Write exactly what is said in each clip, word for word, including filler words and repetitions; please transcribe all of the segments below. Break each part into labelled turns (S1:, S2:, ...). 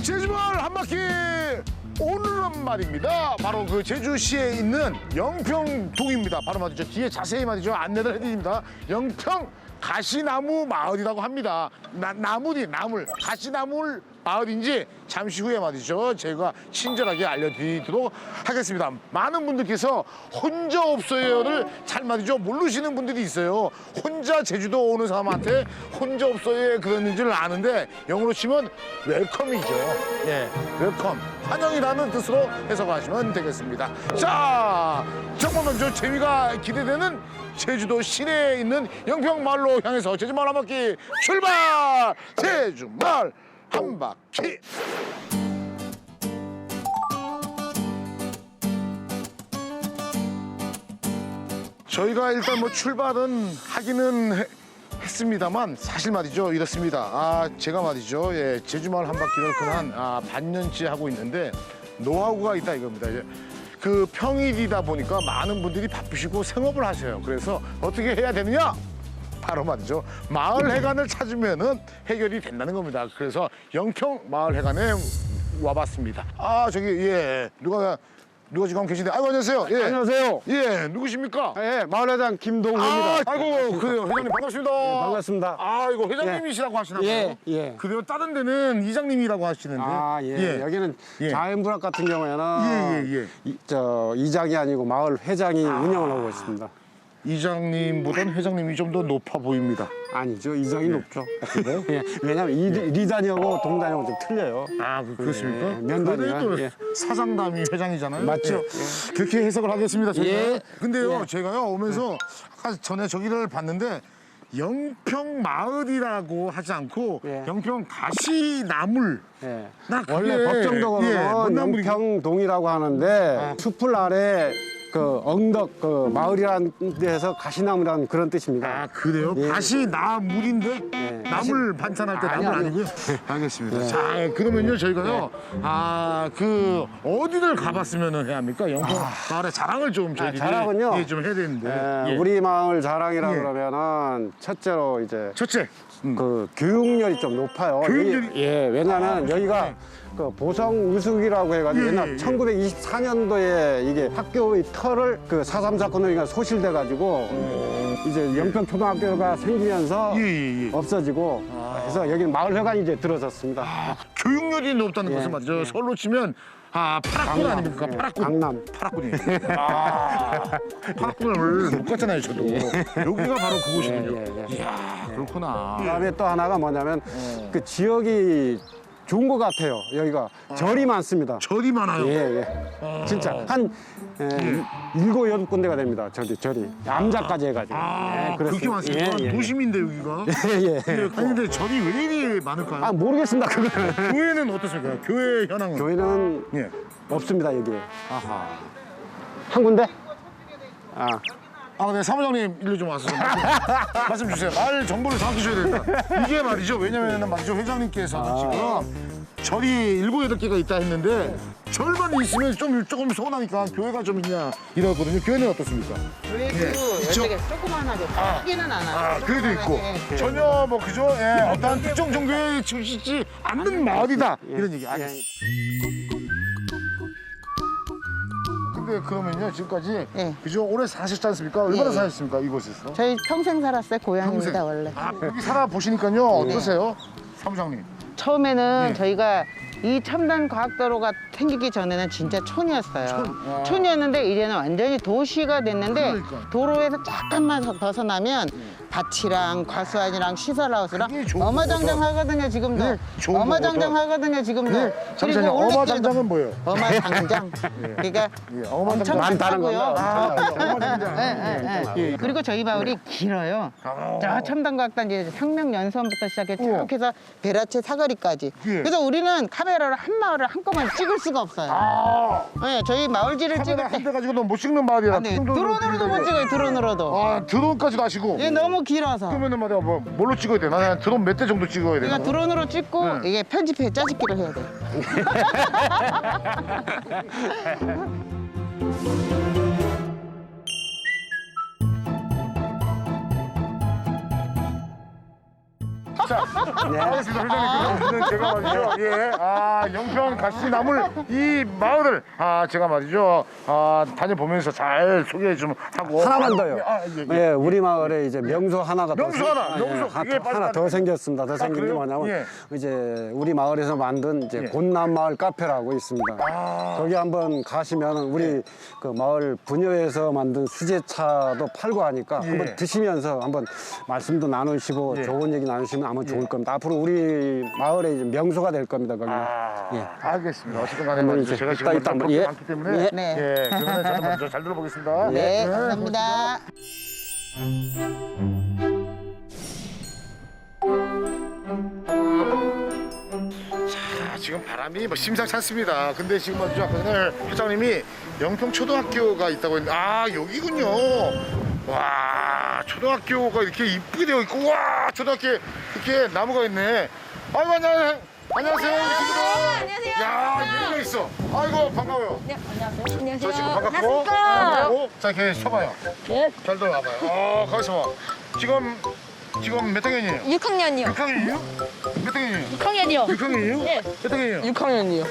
S1: 제주마을 한 바퀴 오늘은 말입니다. 바로 그 제주시에 있는 영평동입니다. 바로 말이죠. 뒤에 자세히 말이죠. 안내를 해드립니다. 영평 가시나무 마을이라고 합니다. 나, 나물이 나물 가시나물 마을인지 잠시 후에 말이죠. 제가 친절하게 알려드리도록 하겠습니다. 많은 분들께서 혼자 없어요를 잘 말이죠. 모르시는 분들이 있어요. 혼자 제주도 오는 사람한테 혼자 없어요 그런 줄 아는데 영어로 치면 웰컴이죠. 예, 웰컴. 환영이라는 뜻으로 해석하시면 되겠습니다. 자, 정말 먼저 재미가 기대되는 제주도 시내에 있는 영평마을로 향해서 제주마을 한 바퀴 출발! 제주마을 한 바퀴! 저희가 일단 뭐 출발은 하기는 해, 했습니다만 사실 말이죠 이렇습니다. 아 제가 말이죠 예, 제주마을 한 바퀴를 그한 아, 반년째 하고 있는데 노하우가 있다 이겁니다. 예. 그 평일이다 보니까 많은 분들이 바쁘시고 생업을 하셔요. 그래서 어떻게 해야 되느냐? 바로 말이죠. 마을 회관을 찾으면은 해결이 된다는 겁니다. 그래서 영평 마을 회관에 와봤습니다. 아 저기 예 누가 누가 지금 계신데 아이고 안녕하세요. 예.
S2: 안녕하세요.
S1: 예 누구십니까?
S2: 예, 마을회장 김동호입니다.
S1: 아, 아이고 그래요 회장님 반갑습니다.
S2: 예, 반갑습니다.
S1: 아 이거 회장님이시라고 하시나 봐요.
S2: 예, 예.
S1: 그래요 다른 데는 이장님이라고 하시는데.
S2: 아, 예.
S1: 예.
S2: 여기는
S1: 예.
S2: 자연분학 같은 경우에는
S1: 예, 예, 예.
S2: 이, 저 이장이 아니고 마을 회장이 운영을 하고 있습니다.
S1: 이장님보다는 회장님이 좀 더 높아 보입니다.
S2: 아니죠, 이장이 높죠.
S1: 그래요?
S2: 예, 왜냐하면 이, 리단이하고 동단이하고 좀 틀려요.
S1: 아, 그, 그렇습니까?
S2: 예, 면담이나,
S1: 그래도
S2: 예.
S1: 사장담이 회장이잖아요.
S2: 맞죠?
S1: 예. 그렇게 해석을 하겠습니다. 제가.
S2: 예.
S1: 근데요,
S2: 예.
S1: 제가요 오면서 아까 전에 저기를 봤는데 영평 마을이라고 하지 않고
S2: 예.
S1: 영평 가시나물.
S2: 예.
S1: 나 그게-
S2: 원래
S1: 예,
S2: 법정적으로는
S1: 뭔 나물이죠?
S2: 영평동이라고 하는데 숲을 아래 그 엉덕 그 마을이라는 데서 가시나무라는 그런 뜻입니다.
S1: 아 그래요?
S2: 예.
S1: 가시나물인데
S2: 예.
S1: 나물 반찬할 때
S2: 아니,
S1: 나물
S2: 아니.
S1: 아니고요? 알겠습니다.
S2: 예.
S1: 자 그러면요 저희가요 아 그 어디를 가봤으면 해야 합니까? 영평 마을의 자랑을 좀 저희들이
S2: 자랑은요?
S1: 예, 좀 해야 되는데
S2: 예,
S1: 예.
S2: 우리 마을 자랑이라
S1: 예.
S2: 그러면은 첫째로 이제
S1: 첫째 음.
S2: 그 교육열이 좀 높아요.
S1: 교육열이-
S2: 여기- 예, 왜냐하면 여기가 그 보성 우수기라고 해가지고
S1: 예,
S2: 옛날
S1: 예, 예.
S2: 천구백이십사 년도에 이게 학교의 터를 그 사삼 사건으로 인해 소실돼가지고 이제 영평 초등학교가 생기면서
S1: 예, 예, 예.
S2: 없어지고 그래서 여기는 마을회관이 이제 들어섰습니다.
S1: 아, 교육열이 높다는
S2: 예,
S1: 것은 말이죠.
S2: 예.
S1: 서울로 치면 아 파락군
S2: 강남,
S1: 아닙니까?
S2: 예,
S1: 파락군.
S2: 강남.
S1: 파락군이. 아 파락군을 못 갔잖아요 저도. 여기가 바로 그곳이군요.
S2: 예, 예, 예.
S1: 이야 그렇구나.
S2: 그다음에 또 하나가 뭐냐면
S1: 어.
S2: 그 지역이 좋은 것 같아요. 여기가 절이 많습니다.
S1: 절이 많아요.
S2: 예, 예.
S1: 아.
S2: 진짜 한 에, 일곱 여덟 군데가 됩니다. 저기 절이 암자까지 해가지고.
S1: 아
S2: 예,
S1: 그렇게
S2: 그렇습니다.
S1: 많습니까?
S2: 예, 예.
S1: 도심인데 여기가.
S2: 예, 예.
S1: 예, 아니 근데 절이 왜 이리 많을까요?
S2: 아 모르겠습니다. 그거는.
S1: 교회는 어떻습니까? 교회 현황은?
S2: 교회는
S1: 예.
S2: 없습니다 여기에.
S1: 아하.
S2: 한 군데? 아,
S1: 아, 네, 사무장님 일로 좀 와서 좀 말씀, 말씀 주세요. 말 정보를 정확히 줘야 된다. 이게 말이죠. 왜냐면은 말이죠. 회장님께서는
S2: 아.
S1: 지금 절이 일곱 여덟 개가 있다 했는데 절만 있으면 좀 조금 서운하니까 교회가 좀 있냐 이러거든요. 교회는 어떻습니까?
S3: 그래도
S1: 예, 있죠?
S3: 여러 개 조그만하게 크기는 않아요.
S1: 아, 그래도 있고
S3: 조그만하게.
S1: 전혀 뭐 그죠? 예, 어떠한 특정 종교에 치우치지 않는 마을이다 이런 얘기. 아,
S2: 예.
S1: 근데 그러면요 지금까지
S3: 예.
S1: 그죠? 오래 사셨지 않습니까? 얼마나
S3: 예.
S1: 사셨습니까 이곳에서?
S3: 저희 평생 살았어요. 고향입니다
S1: 평생.
S3: 원래.
S1: 아, 여기 살아 보시니까요 어떠세요, 사무장님?
S3: 처음에는
S1: 예.
S3: 저희가 이 첨단 과학도로가 생기기 전에는 진짜 촌이었어요.
S1: 촌, 아.
S3: 촌이었는데 이제는 완전히 도시가 됐는데
S1: 그러니까.
S3: 도로에서 잠깐만 벗어나면 밭이랑 과수원이랑 시설하우스랑
S1: 그게 좋은
S3: 어마장장하거든요 지금도.
S1: 그게 좋은
S3: 어마장장하거든요 지금도.
S1: 그 잠시만요.
S3: 올레길도-
S1: 어마장장은 뭐예요?
S3: 어마장장. 그러니까
S1: 예,
S3: 엄청
S1: 어마장장
S2: 많다는
S3: 많다고요.
S1: 아, 어마장장.
S3: 예, 예, 예.
S1: 예.
S3: 그리고 저희 마을이 길어요.
S1: 아.
S3: 저 첨단과학단 이제 혁명연수원부터 시작해
S1: 우와.
S3: 쭉 해서 베라체 사거리까지.
S1: 예.
S3: 그래서 우리는 카메라로 한 마을을 한꺼번에 찍을 수가 없어요.
S1: 아,
S3: 네, 저희 마을지를 찍을
S1: 카메라
S3: 때
S1: 한 대 가지고는 못 찍는 말이야.
S3: 아, 네, 드론으로도 못 찍어요. 드론으로도.
S1: 아, 드론까지도 하시고.
S3: 이게 너무 길어서.
S1: 그러면은 말이야, 뭐 뭘로 찍어야 돼? 나는 드론 몇 대 정도 찍어야 돼?
S3: 그러니까 드론으로 찍고
S1: 네.
S3: 이게 편집해 짜집기를 해야 돼.
S1: 자,
S2: 네.
S1: 알겠습니다. 회장님, 그러면 제가 말이죠. 예, 아, 영평 가시나물 이 마을을 아, 제가 말이죠. 아, 다녀보면서 잘 소개 좀 하고.
S2: 하나만 더요.
S1: 아, 예, 예.
S2: 예, 우리 마을에 이제 명소 하나가
S1: 명소
S2: 더 생-
S1: 하나,
S2: 아,
S1: 명소.
S2: 예, 하-
S1: 그게 빨리
S2: 하나 더
S1: 빨리.
S2: 생겼습니다. 더 생긴 게
S1: 그래요?
S2: 뭐냐면
S1: 예.
S2: 이제 우리 마을에서 만든 이제
S1: 예.
S2: 곤남마을 카페라고 있습니다.
S1: 아.
S2: 거기 한번 가시면 우리 그 마을 부녀에서 만든 수제차도 팔고 하니까
S1: 예.
S2: 한번 드시면서 한번 말씀도 나누시고
S1: 예.
S2: 좋은 얘기 나누시면 아마 좋을 겁니다. 앞으로 우리 마을의 이제 명소가 될 겁니다. 거기.
S1: 아,
S2: 예.
S1: 알겠습니다. 어쨌든 간에
S2: 한번
S1: 말이죠.
S2: 이제
S1: 제가 지금
S2: 이따, 이따
S1: 먼저
S2: 한번,
S1: 볼게
S2: 예.
S1: 많기 때문에
S2: 예.
S3: 네.
S1: 예, 그러면 저는 먼저 잘 들어보겠습니다.
S3: 네, 감사합니다.
S1: 자, 지금 바람이 뭐 심상치 않습니다. 근데 지금 먼저 아까 전에 회장님이 영평 초등학교가 있다고 했는데 아 여기군요. 와 초등학교가 이렇게 이쁘게 되어 있고 와 초등학교 이렇게 나무가 있네. 아이고 안녕 안녕하세요 우리 친구들.
S4: 안녕하세요.
S1: 야 이런 거 있어. 아이고 반가워요.
S4: 네, 안녕하세요. 안녕하세요.
S1: 저 친구 반갑고. 반갑고. 자 이렇게 서봐요.
S4: 네.
S1: 잘 들어와봐요. 어 거기서 봐. 지금 지금 몇 학년이에요?
S4: 육 학년이요.
S1: 육 학년이에요? 몇 학년이에요?
S4: 육 학년이요.
S1: 육 학년이에요?
S4: 네.
S1: 몇 학년이에요?
S5: 육 학년이요.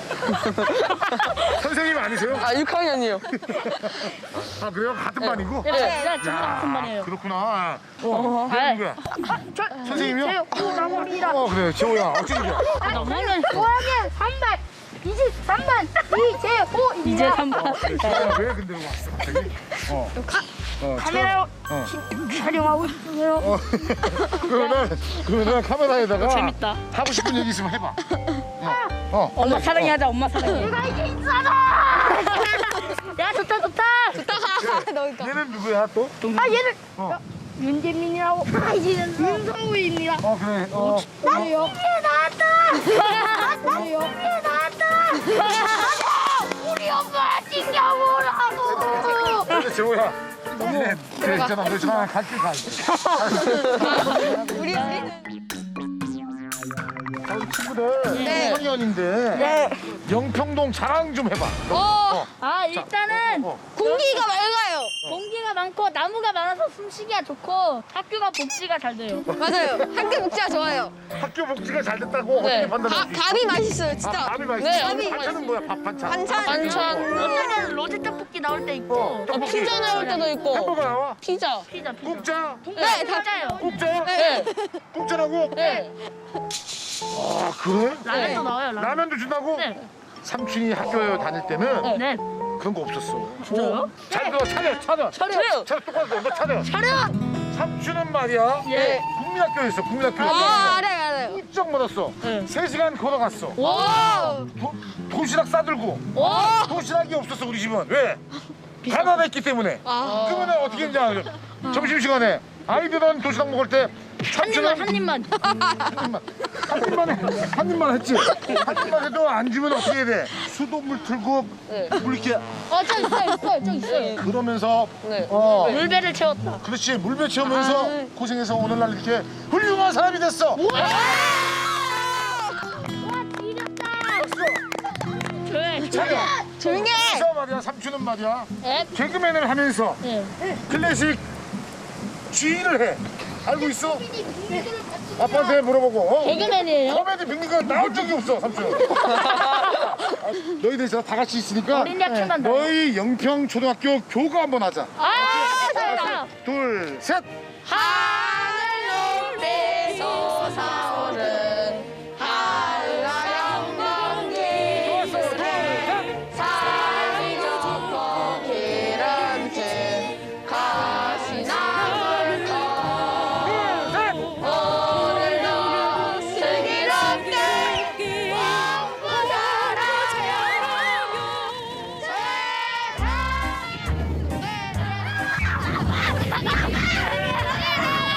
S1: 선생님 아니세요?
S5: 아, 육 학년이요.
S1: 아 그래요? 같은 반이고?
S4: 네, 네, 저랑
S1: 야,
S4: 같은 반이에요.
S1: 그렇구나. 어, 너 누구야? 선생님이요?
S4: 나머리라.
S1: 어 그래 재호야 어떻게 돼?
S4: 나머리는 오 학년 삼 반, 이십삼 반, 이재호입니다. 이제 삼 반.
S1: 재호야 왜 근데 왔어 갑자기? 어. 어,
S4: 카메라
S1: 어.
S4: 촬영하고 있어요.
S1: 어. 그러면은 그러면은 카메라에다가
S4: 재밌다.
S1: 하고 싶은 얘기 있으면 해봐. 어. 어.
S4: 엄마 사랑해 하자. 엄마 사랑해. 내가 이제 있잖아. 야 좋다 좋다. 좋다. 너니까.
S1: 얘는 누구야 또?
S4: 아 얘는
S1: 어.
S4: 윤재민이라고. 아 이제는 윤성우입니다.
S1: 어 그래. 어.
S4: 나 여기에 나왔다. 나 여기에 나왔다. 우리 엄마 찡겨보라고.
S1: 근데 재호야. 네, 그래 있잖아. 너 저랑 갈길 가.
S4: 우리 우리는
S1: 우리 친구들 네. 학년인데 영평동 자랑 좀 해봐.
S4: 어. 아 일단은
S1: 어.
S4: 공기가 맑아요. 공기가 많고 나무가 많아서 숨쉬기가 좋고 학교가 복지가 잘 돼요.
S6: 맞아요. 학교 복지가 좋아요.
S1: 학교 복지가 잘 됐다고
S4: 네.
S1: 어떻게 판단해?
S6: 밥, 밥이 맛있어요,
S1: 아,
S6: 진짜.
S1: 밥이 맛있어.
S4: 네,
S6: 밥이
S1: 반찬은 뭐야? 밥 반찬.
S6: 반찬.
S4: 반찬 어쩌면 로제 떡볶이 나올 때 있고
S1: 어, 떡볶이.
S5: 피자 나올 때도 있고.
S1: 햄버거 나와?
S5: 피자.
S4: 피자 피자.
S1: 국자?
S4: 네, 다 짜요.
S1: 국자?
S5: 네.
S1: 국자라고?
S4: 네.
S1: 아 그래?
S4: 라면도 나와요. 라면.
S1: 라면도 준다고?
S4: 네.
S1: 삼촌이 학교 다닐 때는
S4: 네.
S1: 그런 거 없었어.
S4: 진짜요?
S1: 잘 들어 차려 차려.
S4: 차려.
S1: 차려 똑바로 너 차려.
S4: 차려.
S1: 삼촌은 말이야.
S4: 예.
S1: 국민학교에 있어 국민학교.
S6: 아, 알아요, 알아요.
S1: 입적 받았어.
S4: 네.
S1: 세 시간 걸어갔어.
S4: 와.
S1: 도, 도시락 싸들고.
S4: 와.
S1: 도시락이 없었어 우리 집은. 왜? 가난했기 때문에.
S6: 아.
S1: 그러면 어떻게 했는지 알아요? 점심시간에 아이들은 도시락 먹을 때
S4: 한 입만 한 입만.
S1: 한 입만 한 입만 해. 한 입만 했지. 한 입만 해도 안 주면 어떻게 해야 돼? 수돗물 틀고 물 이렇게
S4: 어저 있어요 있어요 저 있어요.
S1: 그러면서
S5: 네.
S1: 어
S4: 물배를 채웠다.
S1: 그렇지 물배 채우면서 고생해서 오늘날 이렇게 훌륭한 사람이 됐어.
S4: 조용히.
S1: 차려.
S6: 조용히 해.
S1: 그래서 말이야 삼촌은 말이야
S4: 네.
S1: 개그맨을 하면서
S4: 네.
S1: 클래식 주인을 해. 알고 있어? 아빠한테 물어보고. 어?
S4: 개그맨이에요?
S1: 코미디 빅리가 나올 적이 없어 삼촌. 너희들 다 같이 있으니까
S4: 어린이 학교만 다녀.
S1: 너희 영평 초등학교 교가 한번 하자.
S4: 아 잘한다.
S1: 둘 셋.
S4: 하늘 높이 솟아오른 한라영광기 살기 좋고 기름진 가시나물 오늘도 슬기롭게 왕부 살아요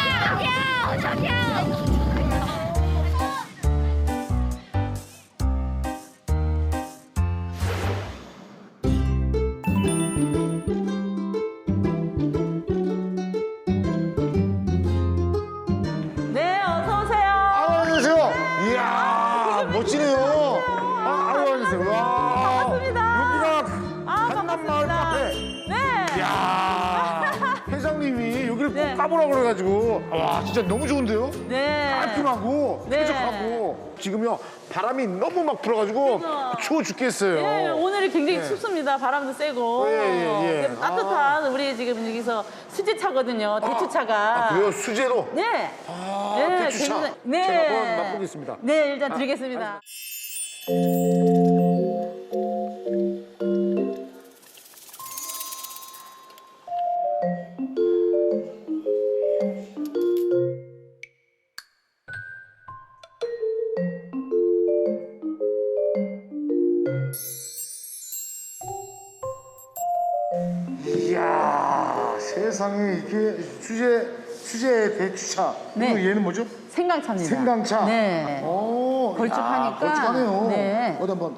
S1: 까보라 그래가지고 와 진짜 너무 좋은데요?
S5: 네.
S1: 깔끔하고
S5: 네.
S1: 쾌적하고 지금요 바람이 너무 막 불어가지고 추워 죽겠어요.
S5: 예, 오늘이 굉장히
S1: 예.
S5: 춥습니다. 바람도 세고.
S1: 예, 예, 예.
S5: 근데 따뜻한 우리 지금 여기서 수제차거든요. 대추차가.
S1: 아, 그래요? 수제로?
S5: 네.
S1: 아,
S5: 네,
S1: 대추차.
S5: 굉장히- 네.
S1: 제가 한번 맛보겠습니다.
S5: 네, 일단 드리겠습니다.
S1: 이야 세상에 이게 수제 수제 대추차.
S5: 네.
S1: 그리고 얘는 뭐죠?
S5: 생강차입니다.
S1: 생강차.
S5: 네.
S1: 오,
S5: 걸쭉하니까.
S1: 야, 걸쭉하네요.
S5: 네.
S1: 어디 한번.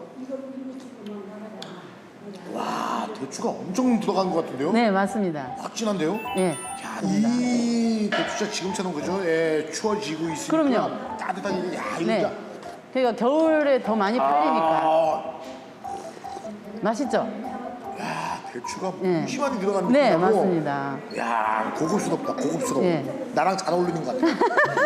S1: 와 대추가 엄청 들어간 것 같은데요?
S5: 네, 맞습니다.
S1: 확 진한데요?
S5: 네.
S1: 야, 이 대추차 지금처럼 그죠? 예, 추워지고 있으니까
S5: 그럼요.
S1: 따뜻하게 야 이거
S5: 네.
S1: 진짜
S5: 그러니까 겨울에 더 많이 팔리니까.
S1: 아,
S5: 맛있죠?
S1: 대추가
S5: 네.
S1: 무심하게 들어간
S5: 네,
S1: 느낌하고
S5: 맞습니다.
S1: 야 고급스럽다 고급스러워.
S5: 예.
S1: 나랑 잘 어울리는 것 같아.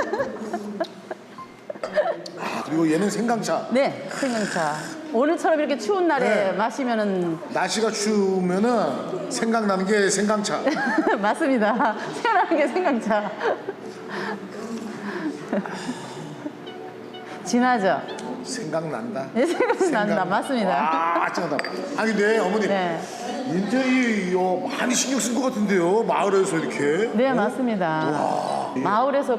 S1: 아 그리고 얘는 생강차.
S5: 네, 생강차. 오늘처럼 이렇게 추운 날에
S1: 네.
S5: 마시면은
S1: 날씨가 추우면은 생각나는 게 생강차.
S5: 맞습니다. 생각나는 게 생강차. 진하죠?
S1: 생각난다.
S5: 네, 생각난다. 맞습니다.
S1: 아, 짱하다. 아니 근데 어머니
S5: 네.
S1: 인테리어 많이 신경 쓴 것 같은데요. 마을에서 이렇게.
S5: 네, 맞습니다. 마을에서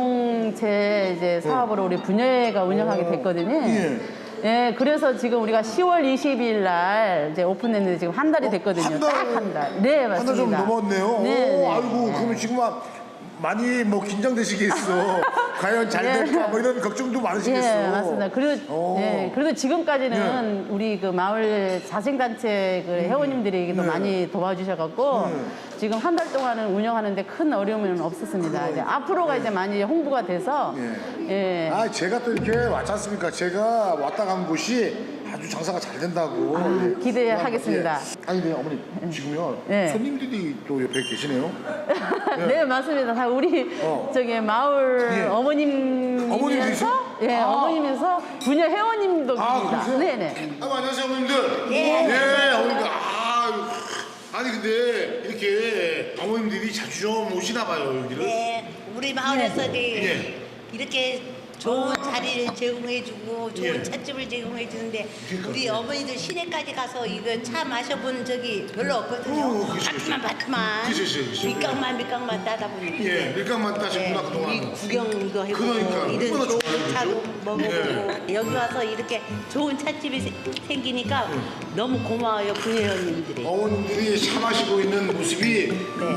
S5: 공동체 이제 사업으로 우리 분여회가 운영하게 됐거든요.
S1: 예.
S5: 예, 그래서 지금 우리가 시월 이십일 날 이제 오픈했는데 지금 한 달이 됐거든요.
S1: 한 달?
S5: 딱 한 달. 네, 맞습니다.
S1: 한 달 좀 넘었네요.
S5: 네,
S1: 오,
S5: 네.
S1: 아이고 그러면 지금 막 많이 뭐 긴장되시겠어. 과연 잘
S5: 예.
S1: 될까 뭐 이런 걱정도 많으시겠어.
S5: 예, 맞습니다. 그리고
S1: 오.
S5: 예, 그래도 지금까지는 우리 그 마을 자생단체 그 회원님들이 또
S1: 네.
S5: 많이 도와주셔갖고
S1: 네.
S5: 지금 한 달 동안은 운영하는데 큰 어려움은 없었습니다. 이제 앞으로가 이제 많이 홍보가 돼서 예.
S1: 아 제가 또 이렇게 왔지 않습니까? 제가 왔다 간 곳이 아주 장사가 잘 된다고. 예.
S5: 기대하겠습니다.
S1: 예. 아니 근데 어머니 지금요
S5: 네.
S1: 손님들이 또 옆에 계시네요.
S5: 네, 맞습니다. 다 우리
S1: 어.
S5: 저기 마을
S1: 예.
S5: 어머님이면서
S1: 어머님이세요?
S5: 예,
S1: 아.
S5: 어머님면서 분야 회원님도
S1: 아
S5: 계십니다.
S1: 그러세요?
S5: 네, 네.
S1: 아 안녕하세요 어머님들. 예. 예 어머님들. 아 아니 근데 이렇게 어머님들이 자주 좀 오시나 봐요 여기를.
S7: 네, 우리 마을에서도
S1: 예.
S7: 이렇게 좋은 자리를 제공해주고 좋은
S1: 예.
S7: 찻집을 제공해주는데
S1: 그러니까,
S7: 우리
S1: 예.
S7: 어머니들 시내까지 가서 이거 차 마셔본 적이 별로 없거든요.
S1: 오, 그치,
S7: 밭만 밭만
S1: 그치, 그치, 그치.
S7: 밑강만 밑강만 따다 보니까
S1: 예 밀감만 따셨구나
S7: 네,
S1: 그동안.
S7: 우리 구경도 해보고
S1: 그러니까,
S7: 이런
S1: 얼마나
S7: 좋은
S1: 좋아요,
S7: 차도
S1: 그죠?
S7: 먹어보고 여기 와서 이렇게 좋은 찻집이 세- 생기니까 너무 고마워요 분회원님들이.
S1: 어머님들이 차 마시고 있는 모습이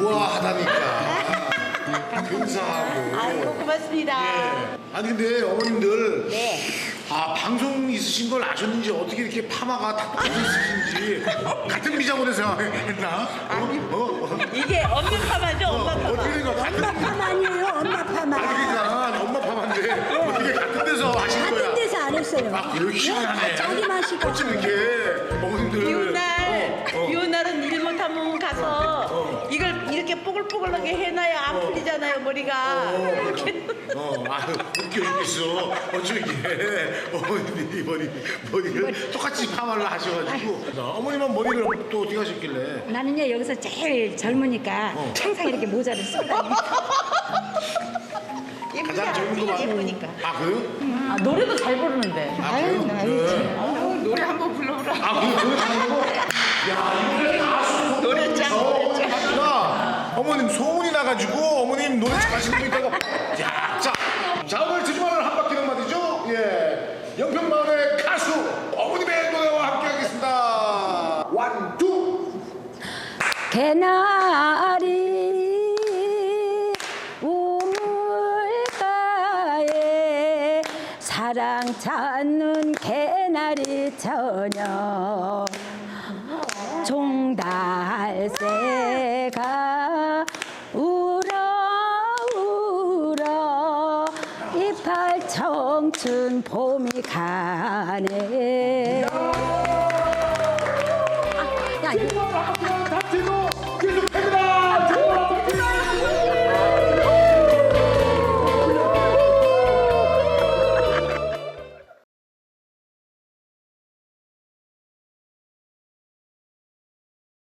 S1: 우아하다니까. 근사하고.
S7: 아이고 고맙습니다.
S1: 예. 아니 근데 어머님들
S7: 네.
S1: 아 방송 있으신 걸 아셨는지 어떻게 이렇게 파마가 다 똑같이 있으신지 같은 미장원에서 했나? 어? 어?
S7: 이게 엄마 파마죠 엄마 파마.
S1: 어떻게 된 거야? 엄마 파마 아니에요 엄마 파마. 아니 그러니까 엄마 파마인데 어떻게 같은 데서 하신 거야?
S8: 같은 데서 안 했어요.
S1: 아 그래요? 희한하네.
S8: 자기 마시고.
S1: 어쩜 이렇게 어머님들
S7: 비온 날,
S1: 어, 어.
S7: 비온 날은 일 못하면 가서 이걸 이렇게 뽀글뽀글하게 해놔야 안 풀리잖아요 머리가. 이렇게.
S1: 어, 아유, 웃겨 죽겠어. 어쩜 이게 어머님이 머리, 머리를 똑같이 파마를 하셔가지고. 어머님은 머리를 또 어떻게 하셨길래?
S8: 나는요 여기서 제일 젊으니까 항상 이렇게 모자를 쓰고 다녀요.
S1: 가장 젊은 거만.
S7: 예쁘니까.
S1: 아, 그래요?
S5: 아, 노래도 잘 부르는데.
S1: 아, 그래요? 네.
S3: 노래 한번 불러보라.
S1: 아, 그래요? 노래 잘하는 거? 야, 이거 가수 노래짱, 노래짱. 어머님 소문이 나가지고 어머님 노래 잘하시는 분 있다고. 야, 자, 자 오늘 드주말을 한 바퀴는 말이죠. 예, 영평마을의 가수 어머님의 노래와 함께하겠습니다. 원, 투.
S8: 개나리 우물가에 사랑 찾는 개나리 처녀 종달새가 울어 울어 이팔 청춘 봄이 가네. 아, 야, 이거